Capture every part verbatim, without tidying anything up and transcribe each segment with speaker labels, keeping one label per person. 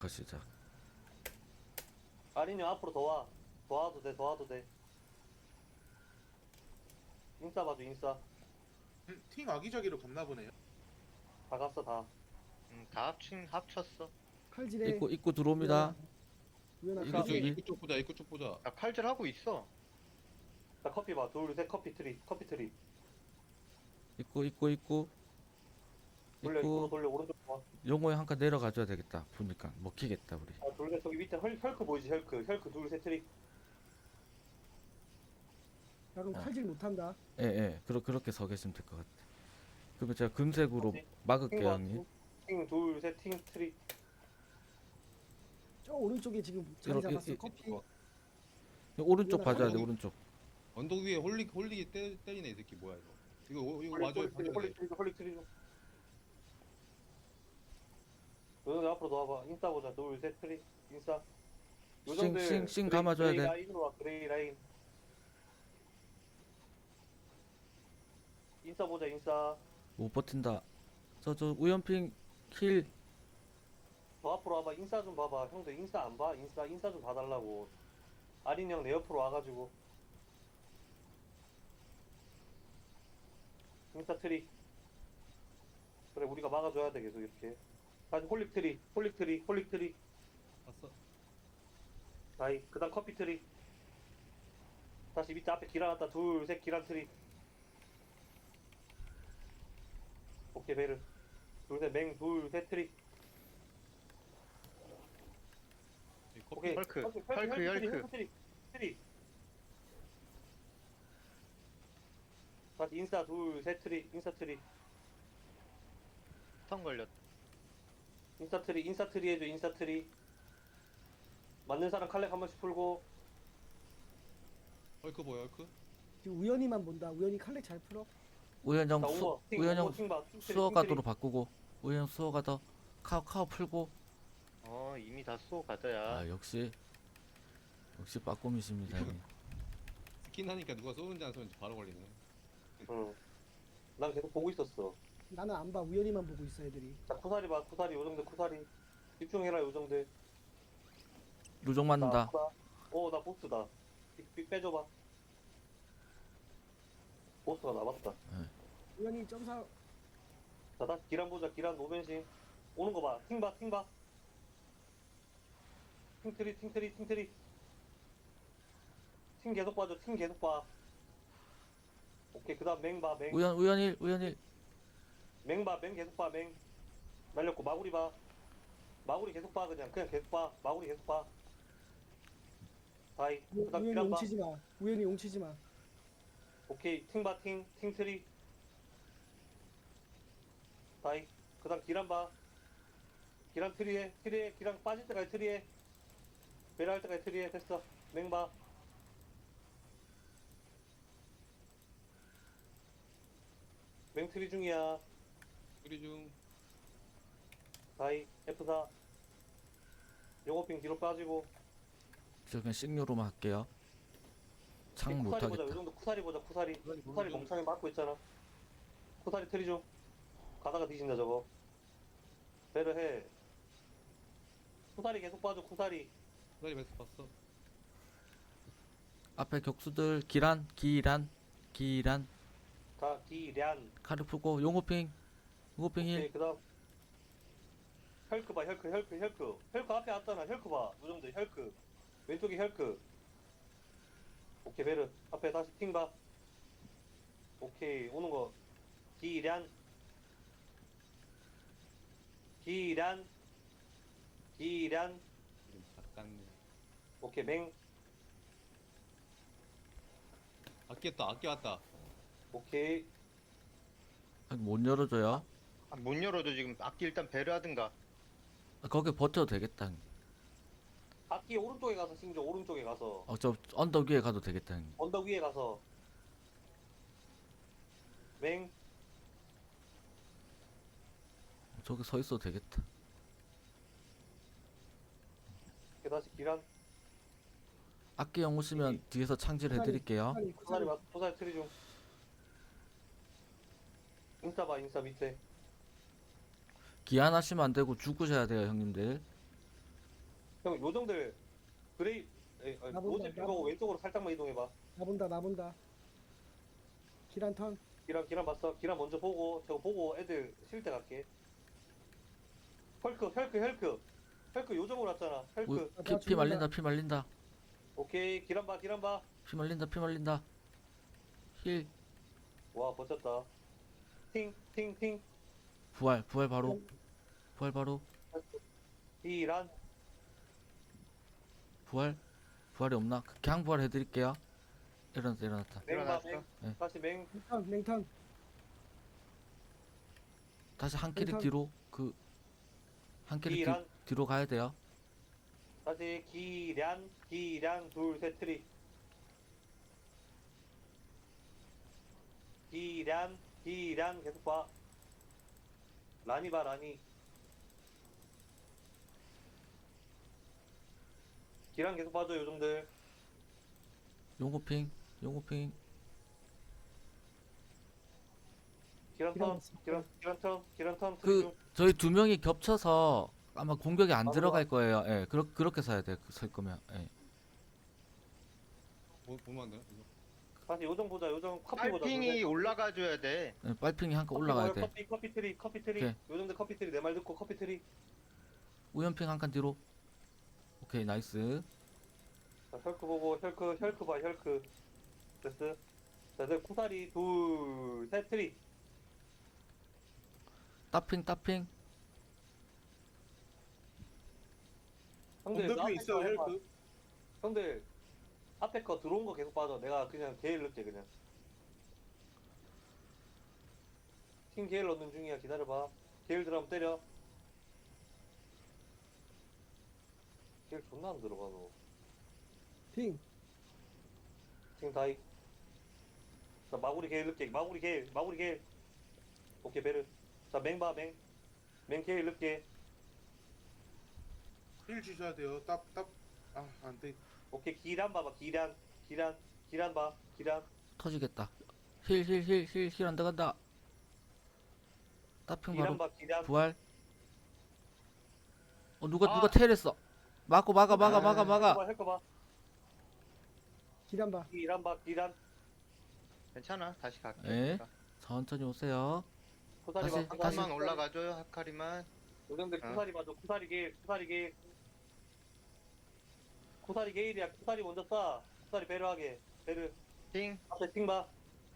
Speaker 1: 시작.
Speaker 2: 아린이 앞으로 더 와. 더 와도 돼, 더 와도 돼. 인싸 봐줘, 인싸.
Speaker 3: 음, 팀 아기자기로 갔나 보네요.
Speaker 2: 다 갔어, 다.
Speaker 4: 음, 다 합친 합쳤어.
Speaker 5: 칼질해.
Speaker 1: 입구 입구 들어옵니다.
Speaker 5: 우연아
Speaker 1: 이거
Speaker 3: 이거 쪽
Speaker 1: 저기-
Speaker 5: 칼질.
Speaker 3: 입구 쪽 보자. 입구 쪽 보자.
Speaker 4: 나 칼질 하고 있어.
Speaker 2: 자, 커피 봐. 둘, 셋, 커피 트리. 커피 트리.
Speaker 1: 입구 입구 입구
Speaker 2: 돌려, 입구로
Speaker 1: 입구.
Speaker 2: 돌려, 오른쪽 봐.
Speaker 1: 용호에 한 칸 내려가줘야 되겠다. 보니까 먹히겠다 우리.
Speaker 2: 아, 둘, 셋, 저기 밑에 헐, 혈크 보이지, 혈크. 혈크 둘, 셋, 트리.
Speaker 5: 야 그럼
Speaker 1: 아.
Speaker 5: 칼질 못한다.
Speaker 1: 예 예. 그러 그렇게 서 계시면 될 것 같아. 그러면 제가 금색으로
Speaker 2: 오케이.
Speaker 1: 막을게요
Speaker 2: 팅 봐,
Speaker 1: 형님.
Speaker 2: 팅, 둘, 셋, 팅, 트리.
Speaker 5: 저 오른쪽에 지금 자리
Speaker 1: 이렇게-
Speaker 5: 잡았어.
Speaker 1: 이-
Speaker 5: 커피.
Speaker 3: 어,
Speaker 1: 오른쪽
Speaker 5: 이거는
Speaker 1: 봐줘야 돼
Speaker 3: 한쪽이-
Speaker 1: 오른쪽.
Speaker 3: 언덕 위에 홀리 홀리기 때, 때리네 이 새끼 뭐야 이거. 이거 오- 이거
Speaker 2: 홀릭,
Speaker 3: 와줘야
Speaker 2: 홀릭 트리,
Speaker 3: 돼.
Speaker 2: 홀릭 트리, 홀릭 트리 좀. 요정들 앞으로 더 와봐. 인싸 보자. 둘, 셋, 트리. 인싸. 요정들
Speaker 1: 싱, 싱
Speaker 2: 그레이-
Speaker 1: 감아줘야
Speaker 2: 그레이
Speaker 1: 돼.
Speaker 2: 라인으로 와, 그레이 라인. 인싸 보자, 인싸.
Speaker 1: 못 버틴다. 저 저 우연핑 킬.
Speaker 2: 더 앞으로 와봐. 인싸 좀 봐봐. 형들 인싸 안 봐? 인싸 인싸 좀 봐달라고. 아린 형 내 옆으로 와가지고. 인싸 트리. 그래 우리가 막아줘야 돼 계속 이렇게. 다시 홀릭 트리, 홀릭 트리, 홀릭 트리.
Speaker 3: 봤어.
Speaker 2: 다이. 그다음 커피 트리. 다시 밑에 앞에 기란 왔다. 둘, 셋 기란 트리. 오케이 베르. 둘, 셋 맹, 둘, 셋 트리.
Speaker 3: 이 커피
Speaker 2: 오케이.
Speaker 4: 헐크,
Speaker 2: 헐크,
Speaker 4: 헐크,
Speaker 2: 트리,
Speaker 4: 헐크.
Speaker 2: 헐크 트리, 트리. 다시 인싸 둘, 셋 트리, 인싸 트리.
Speaker 4: 스턴 걸렸.
Speaker 2: 인싸 트리, 인싸 트리 해줘, 인싸 트리. 맞는 사람 칼렉 한 번씩 풀고.
Speaker 3: 헐크 보여 헐크.
Speaker 5: 지금 우연히만 본다. 우연히 칼질 잘 풀어.
Speaker 1: 우연 형
Speaker 2: 자,
Speaker 1: 수
Speaker 2: 우버, 팅,
Speaker 1: 우연 형
Speaker 2: 우버, 팅 봐, 팅 트리,
Speaker 1: 수어
Speaker 2: 팅 트리.
Speaker 1: 가도로 바꾸고 우연 수어 가더 카우 카우 풀고.
Speaker 4: 어 이미 다 쏘 가자야.
Speaker 1: 아 역시 역시 빠꼼이십니다 형님.
Speaker 3: 스킨 하니까 누가 쏘는지 안 쏘는지 바로 걸리네.
Speaker 2: 응. 난 계속 보고 있었어.
Speaker 5: 나는 안 봐. 우연히만 보고 있어 애들이.
Speaker 2: 자, 쿠사리 봐, 쿠사리, 요정들 쿠사리. 집중해라, 요정들.
Speaker 1: 루종
Speaker 2: 나,
Speaker 1: 맞는다.
Speaker 2: 쿠사. 어, 나 보스다. 빅, 빅 빼줘봐. 보스가 남았다.
Speaker 5: 우연히 점사.
Speaker 2: 자, 다시 기란 보자, 기란 노변신. 오는 거 봐. 팅 봐, 팅 봐. 팅 트리, 팅 트리, 팅 트리. 팅 계속 봐줘, 팅 계속 봐. 오케이, 그 다음 맹 봐, 맹.
Speaker 1: 우연 우연일 우연일.
Speaker 2: 맹 봐, 맹 계속 봐, 맹. 날렸고, 마구리 봐. 마구리 계속 봐, 그냥. 그냥 계속 봐. 마구리 계속 봐. 다이.
Speaker 5: 우-
Speaker 2: 그 다음
Speaker 5: 우연히
Speaker 2: 기란 봐.
Speaker 5: 용치지 마. 우연히 용치지 마.
Speaker 2: 오케이, 팅 봐, 팅. 팅 트리. 다이. 그 다음 기란 봐. 기란 트리에, 트리에, 기란 빠질 때까지 트리에. 베라 할 때까지 트리에. 됐어. 맹 봐. 맹 트리 중이야.
Speaker 3: 우리 중
Speaker 2: 다이. 에프 사. 영어핑 뒤로 빠지고.
Speaker 1: 저 그냥 식료로만 할게요. 창
Speaker 2: 쿠사리 보자. 요
Speaker 1: 못하겠다.
Speaker 2: 정도 쿠사리 보자. 쿠사리.
Speaker 3: 쿠사리
Speaker 2: 쿠사리
Speaker 3: 보자.
Speaker 2: 멍청이 맞고 있잖아. 쿠사리 트리 중. 가다가 뒤진다 저거. 배를 해. 쿠사리 계속 봐줘. 쿠사리.
Speaker 3: 나이 베스 봤어.
Speaker 1: 앞에 격수들 기란 기란 기란
Speaker 2: 가 기란.
Speaker 1: 카드 풀고 용호핑 용호핑
Speaker 2: 오케이.
Speaker 1: 힐.
Speaker 2: 그다음 혈크 봐. 혈크 혈크 혈크. 혈크 앞에 왔잖아. 혈크 봐. 요 정도 혈크. 왼쪽에 혈크. 오케이 베르. 앞에 다시 팅 봐. 오케이 오는 거. 기란. 기란. 기란.
Speaker 3: 이름 작갔네.
Speaker 2: 오케이 맹.
Speaker 3: 아꼈다 아껴왔다.
Speaker 2: 오케이.
Speaker 1: 아니, 못 열어줘요.
Speaker 4: 아, 못 열어도 지금 악기 일단 배를 하든가.
Speaker 1: 아, 거기 버텨도 되겠다. 형님.
Speaker 2: 악기 오른쪽에 가서 싱조 오른쪽에 가서
Speaker 1: 어, 저 언덕 위에 가도 되겠다. 형님.
Speaker 2: 언덕 위에 가서 맹.
Speaker 1: 저기 서 있어도 되겠다.
Speaker 2: 그 다시 기란.
Speaker 1: 악기 형 오시면 뒤에서 창질 해드릴게요.
Speaker 5: 쿠사리
Speaker 2: 쿠사리
Speaker 5: 쿠사리.
Speaker 2: 봐. 쿠사리 트리 중. 인싸 봐. 인싸 밑에.
Speaker 1: 기한하시면 안 되고 죽으셔야 돼요, 형님들.
Speaker 2: 형 요정들 그레이 에, 아니,
Speaker 5: 나 본다,
Speaker 2: 로제
Speaker 5: 나
Speaker 2: 핑거고
Speaker 5: 본다.
Speaker 2: 왼쪽으로 살짝만 이동해봐.
Speaker 5: 나 본다 나 본다. 기란 턴.
Speaker 2: 기란 기란 봤어? 기란 먼저 보고 저거 보고 애들 쉴 때 갈게. 헐크 헐크 헐크 헐크 요정으로 왔잖아.
Speaker 1: 우,
Speaker 2: 헐크.
Speaker 5: 아,
Speaker 1: 피,
Speaker 5: 나
Speaker 1: 피
Speaker 5: 죽는다.
Speaker 1: 말린다 피 말린다
Speaker 2: 오케이 기란 봐 기란 봐.
Speaker 1: 피 말린다 피 말린다. 힐
Speaker 2: 와 버텼다. 팅팅팅
Speaker 1: 부활 부활 바로 부활 바로
Speaker 2: 기란.
Speaker 1: 부활 부활이 없나? 그냥 부활 해드릴게요. 일어났다 일어났다.
Speaker 2: 맹봐
Speaker 4: 일어났어.
Speaker 2: 맹.
Speaker 1: 네.
Speaker 2: 다시 맹.
Speaker 5: 맹턴 맹턴.
Speaker 1: 다시 한 캐릭
Speaker 5: 일단-
Speaker 1: 뒤로 그 한 캐릭 뒤,
Speaker 2: 기란.
Speaker 1: 뒤로 가야 돼요.
Speaker 2: 다시 기란 기란 둘셋 트리. 기란 기란 계속 봐. 라니 봐 라니. 기란 계속 봐줘 요정들.
Speaker 1: 용고핑 용고핑
Speaker 2: 기란
Speaker 5: 기란
Speaker 2: 턴
Speaker 5: 있어.
Speaker 2: 기란 기란 턴 기란 턴.
Speaker 1: 그 저희 두 명이 겹쳐서 아마 공격이 안
Speaker 2: 바로
Speaker 1: 들어갈 거예요. 예, 그렇 그렇게 서야 돼. 그 설 거면. 예.
Speaker 3: 뭐, 보면 안 되나? 이거?
Speaker 2: 다시 요정 보자 요정 커피 보자.
Speaker 4: 빨핑이
Speaker 2: 요정.
Speaker 4: 올라가 줘야 돼.
Speaker 1: 예, 빨핑이 한 칸
Speaker 2: 커피
Speaker 1: 올라가야
Speaker 2: 먹어요,
Speaker 1: 돼.
Speaker 2: 커피 커피 트리 커피 트리.
Speaker 1: 오케이.
Speaker 2: 요정들 커피 트리 내 말 듣고 커피 트리.
Speaker 1: 우연핑 한 칸 뒤로. 오케이, 나이스.
Speaker 2: 자, 혈크 보고 혈크 혈크 봐 혈크. 됐어. 자, 내 쿠사리 둘셋 트리.
Speaker 1: 따핑 따핑.
Speaker 2: 형들
Speaker 6: 언더뷰
Speaker 2: 앞에
Speaker 6: 있어요
Speaker 2: 거 해봐.
Speaker 6: 헬크.
Speaker 2: 형들 앞에 거 들어온 거 계속 봐줘. 내가 그냥 게일 넣게 그냥. 팀 게일 넣는 중이야. 기다려봐. 게일 들어가면 때려. 게일 존나 안 들어가 너.
Speaker 5: 팅.
Speaker 2: 팀 다이. 자 마구리 게일 넣게. 마구리 게일. 마구리 게일. 오케이 베르. 자 맹봐 맹. 맹 게일 넣게.
Speaker 6: 힐 주셔야 돼요. 딱딱 아, 안 돼.
Speaker 2: 오케이 기란 봐봐. 기란. 기란. 기란 봐. 기란.
Speaker 1: 터지겠다. 힐 힐 힐 힐 힐 안 들어간다. 따핑
Speaker 2: 기란
Speaker 1: 바로
Speaker 2: 봐. 기란.
Speaker 1: 부활. 어 누가
Speaker 2: 아.
Speaker 1: 누가 테일했어. 막고 막아 막아 막아 막아.
Speaker 2: 헬거 봐.
Speaker 5: 기란 봐.
Speaker 2: 기란 봐. 기란.
Speaker 4: 괜찮아. 다시 갈게.
Speaker 1: 예. 천천히 오세요.
Speaker 2: 쿠사리
Speaker 1: 다시,
Speaker 2: 봐.
Speaker 4: 한
Speaker 1: 다시.
Speaker 4: 번만 올라가줘요. 하카리만.
Speaker 2: 요정들
Speaker 4: 어.
Speaker 2: 쿠사리 봐줘. 쿠사리 게일. 쿠사리 게일. 쿠사리 게일이야. 쿠사리 먼저 쏴. 쿠사리 베르하게. 베르.
Speaker 4: 팅.
Speaker 2: 앞에 팅 봐.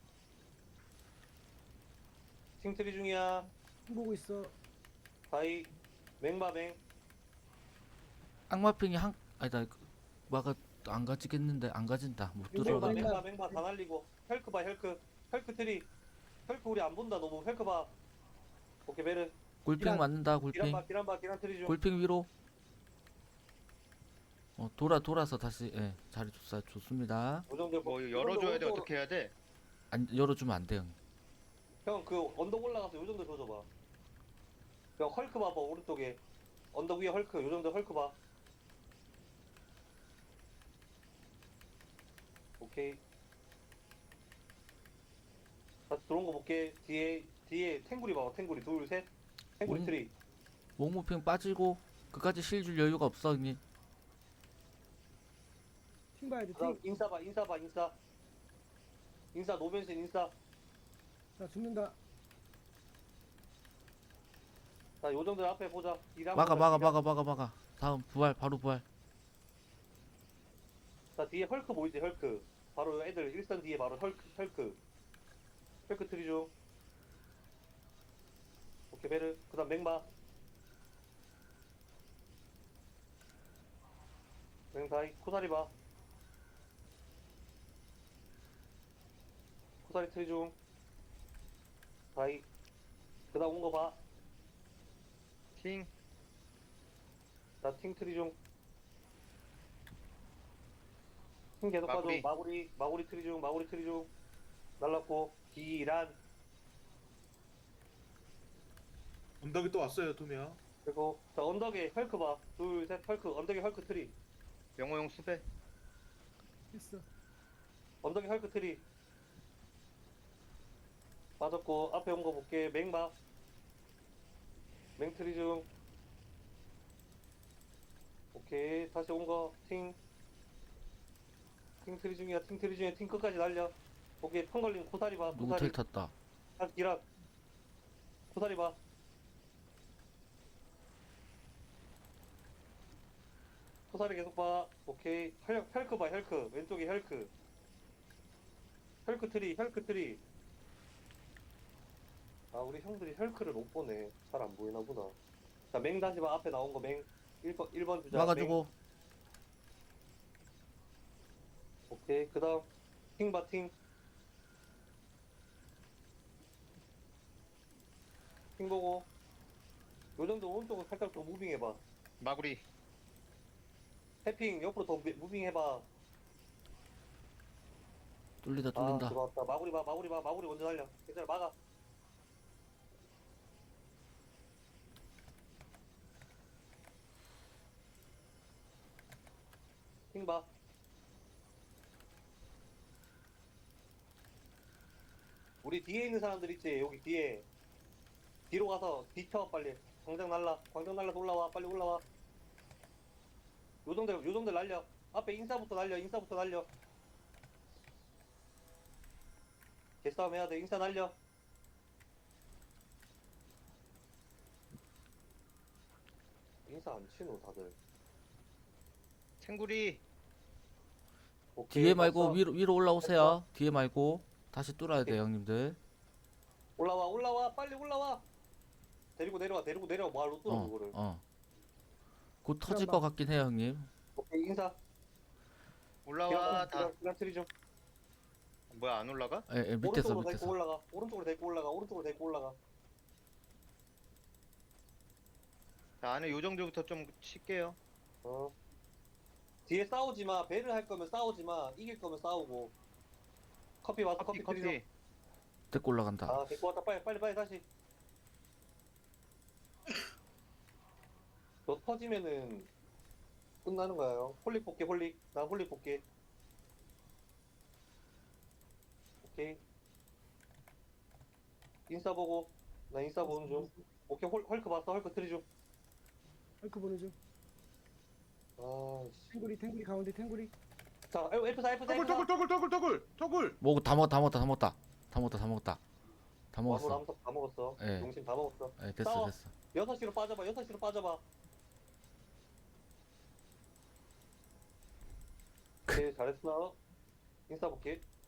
Speaker 2: 팅 트리 중이야.
Speaker 5: 팅 보고 있어.
Speaker 2: 다이. 맹봐 맹.
Speaker 1: 악마핑이 한 아니다. 그, 막아 안 가지겠는데 안 가진다. 못
Speaker 5: 이거
Speaker 2: 맹봐
Speaker 1: 들어가.
Speaker 5: 맹-
Speaker 2: 맹봐 맹봐 다 날리고. 헬크 봐 헬크. 헬크 트리. 헬크 우리 안 본다 너무. 헬크 봐. 오케이 베르.
Speaker 1: 골핑
Speaker 5: 기란.
Speaker 1: 맞는다.
Speaker 2: 기란
Speaker 1: 골핑.
Speaker 2: 봐 기란 봐 기란 트리 중.
Speaker 1: 골핑 위로. 어 돌아 돌아서 다시 예 자리 좋사 좋습니다.
Speaker 2: 요정들
Speaker 4: 뭐 열어줘야 돼. 어떻게 해야 돼?
Speaker 1: 안 열어주면 안 돼요.
Speaker 2: 형그 언덕 올라가서 요정들 줘줘봐. 형 헐크 봐봐 오른쪽에. 언덕 위에 헐크. 요정들 헐크 봐. 오케이. 다시 들어온 거 볼게. 뒤에 뒤에 탱구리 봐봐. 탱구리 둘 셋. 탱구리
Speaker 1: 음.
Speaker 2: 트리.
Speaker 1: 목무핑 빠지고 그까지 실 줄 여유가 없어 형님.
Speaker 5: 팅 봐야 돼.
Speaker 2: 그다음
Speaker 5: 팅.
Speaker 2: 인싸 봐. 인싸 봐. 인싸. 인싸 노변신 인싸.
Speaker 5: 나 죽는다.
Speaker 2: 자 요정들 앞에 보자. 기란
Speaker 1: 막아
Speaker 2: 보자,
Speaker 1: 막아
Speaker 2: 기란.
Speaker 1: 막아 막아 막아. 다음 부활 바로 부활.
Speaker 2: 자 뒤에 헐크 보이지 헐크. 바로 애들 일선 뒤에 바로 헐크 헐크. 헐크 트리 중. 오케이 베르. 그다음 맹바. 맹다이 코사리 봐. 코사리 트리 중. 다이. 그다음 온 거 봐.
Speaker 4: 팅.
Speaker 2: 나 팅 트리 중. 팅 계속 봐줘.
Speaker 4: 마구리.
Speaker 2: 마구리 마구리 트리 중. 마구리 트리 중. 날랐고 기란.
Speaker 6: 언덕이 또 왔어요 두 명.
Speaker 2: 그리고 자 언덕에 헐크 봐. 둘 셋 헐크. 언덕에 헐크 트리.
Speaker 4: 영호용 수배.
Speaker 5: 했어.
Speaker 2: 언덕에 헐크 트리. 빠졌고 앞에 온 거 볼게. 맹 봐. 맹 트리 중. 오케이 다시 온거팅팅 트리 중이야 팅 트리 중에 팅 끝까지 날려. 오케이 턴 걸린 고사리 봐
Speaker 1: 누구
Speaker 2: 고사리
Speaker 1: 텔 탔다.
Speaker 2: 다시 기락 고사리 봐. 고사리 계속 봐. 오케이 혈, 혈크 봐 혈크 왼쪽에 혈크 혈크 트리 혈크 트리. 아 우리 형들이 혈크를 못 보네. 잘 안 보이나 보다. 자 맹 다시 봐. 앞에 나온 거맹 일 번 일 번 주자.
Speaker 1: 막아주고.
Speaker 2: 맹. 오케이 그 다음 팅 봐 팅. 팅 보고 요 정도 오른쪽으로 살짝 더 무빙 해봐.
Speaker 4: 마구리.
Speaker 2: 해핑 옆으로 더 무- 무빙 해봐.
Speaker 1: 뚫리다
Speaker 2: 아
Speaker 1: 뚫린다.
Speaker 2: 들어왔다. 마구리 봐 마구리 봐 마구리 먼저 달려. 괜찮아 막아. 팅 봐. 우리 뒤에 있는 사람들 있지 여기 뒤에 뒤로 가서 뒤쳐 빨리. 광장 날라 광장 날라서 올라와 빨리 올라와. 요정들 요정들 날려. 앞에 인사부터 날려 인사부터 날려. 개싸움 해야 돼. 인사 날려. 인사 안 치노 다들.
Speaker 4: 탱구리.
Speaker 2: 오케이,
Speaker 1: 뒤에 말고
Speaker 2: 됐어.
Speaker 1: 위로 위로 올라오세요. 뒤에 말고 다시 뚫어야 돼 형님들.
Speaker 2: 올라와 올라와 빨리 올라와. 데리고 내려와 데리고 내려와. 뭐하러 뚫어
Speaker 1: 어
Speaker 2: 그거를.
Speaker 1: 어. 곧 터질
Speaker 5: 봐.
Speaker 1: 것 같긴 해요 형님.
Speaker 2: 오케이 인사.
Speaker 4: 올라와 다.
Speaker 2: 기란 트리 좀.
Speaker 4: 뭐야 안 올라가?
Speaker 1: 예, 예 밑에서
Speaker 2: 오른쪽으로 데리고
Speaker 1: 밑에서.
Speaker 2: 올라가. 오른쪽으로 데리고 올라가. 오른쪽으로 데리고 올라가.
Speaker 4: 자, 안에 요 정도부터 좀 칠게요.
Speaker 2: 어. 뒤에 싸우지 마. 배를 할 거면 싸우지 마. 이길 거면 싸우고. 커피 와서
Speaker 4: 커피
Speaker 2: 커피, 트리 좀.
Speaker 4: 커피.
Speaker 1: 데리고 올라간다.
Speaker 2: 아 데리고 왔다 빨리 빨리 빨리 다시. 너 터지면은 끝나는 거예요. 홀릭 볼게 홀릭. 나 홀릭 볼게. 오케이. 인싸 보고. 나 인싸 보는 중. 오케이 홀, 헐크 봤어. 헐크 트리 좀.
Speaker 5: 헐크 보는 중.
Speaker 2: 아 씨.
Speaker 5: 탱구리 탱구리 가운데 탱구리.
Speaker 2: 자 F 사 F 사
Speaker 6: 터굴
Speaker 2: F 사.
Speaker 6: 터굴 터굴 터굴 터굴 터굴.
Speaker 1: 뭐 다 먹었다 다 먹었다 다 먹었다. 다 먹었다 다 먹었다. 다
Speaker 2: 와무
Speaker 1: 먹었어.
Speaker 2: 남석 다 먹었어.
Speaker 1: 예.
Speaker 2: 용신 다 먹었어.
Speaker 1: 예 됐어
Speaker 2: 싸워.
Speaker 1: 됐어.
Speaker 2: 여섯 시로 빠져봐. 여섯 시로 빠져봐. 오케이 잘했어. 인싸 볼게.